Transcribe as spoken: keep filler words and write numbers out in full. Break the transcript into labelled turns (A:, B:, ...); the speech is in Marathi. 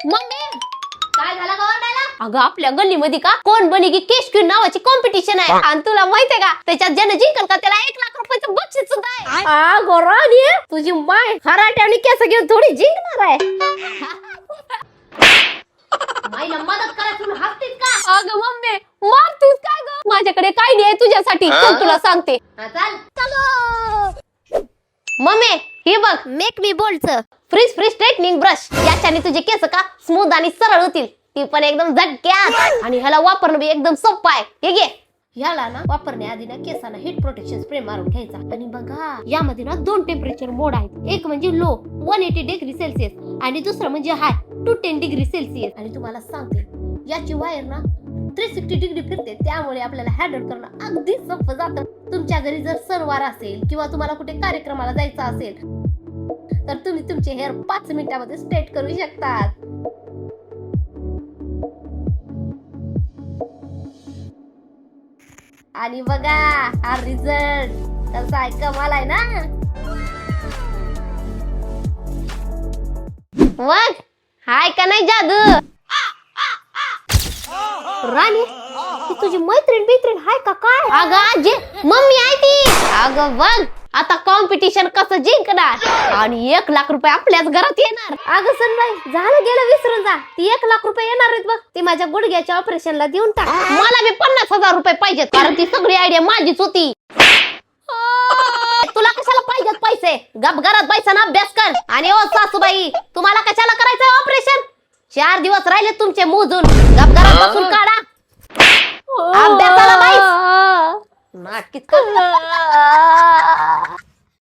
A: मम्मी काय झालं गवंडाला? अगं आपल्या गल्लीमध्ये का कोण बनेगी केश क्वीन नावाची कॉम्पिटिशन आहे आणि तुला माहितीये का त्याच्यात ज्याने जिंकल का त्याला एक लाख रुपयाचं बक्षीस सुद्धा आहे. अगं राणी तुझी माय खराटे आणि केस घेऊन थोडी जिंकणार आहे. माईला मदत करायला तुम्ही हसतीस का? अगं मम्मी मारतीस काय ग? माझ्याकडे काय नाही तुझ्यासाठी चल तुला सांगते. चल चलो मम्मी हे बघ make me bold frizz free straightening brush याच्याने तुझे केस का स्मूथ आणि सरळ होतील ती पण एकदम झटक्यात आणि ह्याला वापरणं बी एकदम सोपं आहे. हे घे ह्याला ना वापरण्याआधी ना केसाला हीट प्रोटेक्शन स्प्रे मारून घ्यायचा आणि बघा यामध्ये ना दोन टेम्परेचर मोड आहेत. एक म्हणजे low one eighty degree Celsius आणि दुसरं म्हणजे high two ten degree Celsius. आणि तुम्हाला सांगते याची वायर ना थ्री सिक्स्टी डिग्री फिरते त्यामुळे आपल्याला हँडल करणं अगदी सोपं जातं. तुमच्या घरी जर सणवार असेल किंवा तुम्हाला कुठे कार्यक्रमाला जायचं असेल तर तुम्ही तुमचे हेअर पाच मिनिटांमध्ये स्ट्रेट करू शकतात. आणि बघा हा रिझल्ट कसा आहे कमाल आहे ना. मग हाय का नाही जादू राणी ती तुझी मैत्रीण बित्रीण हाय का काय? अगं आजी मम्मी आहे ती. अगं बघ आता कॉम्पिटिशन कसं जिंकणार आणि एक लाख रुपये आपल्याच घरात येणार. अगं सनबाई झालं गेलं विसरून जा ती एक लाख रुपये येणार आहेत बघ. ती माझ्या गुडघ्याच्या ऑपरेशनला देऊन टाक. मला बी पन्नास हजार रुपये पाहिजेत कारण ती सगळी आयडिया माझीच होती. तुला कशाला पाहिजेत पैसे? गप घरात पैसा ना अभ्यास कर. आणि ओ सासूबाई तुम्हाला कशाला करायचं ऑपरेशन? चार दिवस राहिले तुमचे मोजून गप घरात बसून काढा. अभ्यासाला बाईस नाटकीच कर.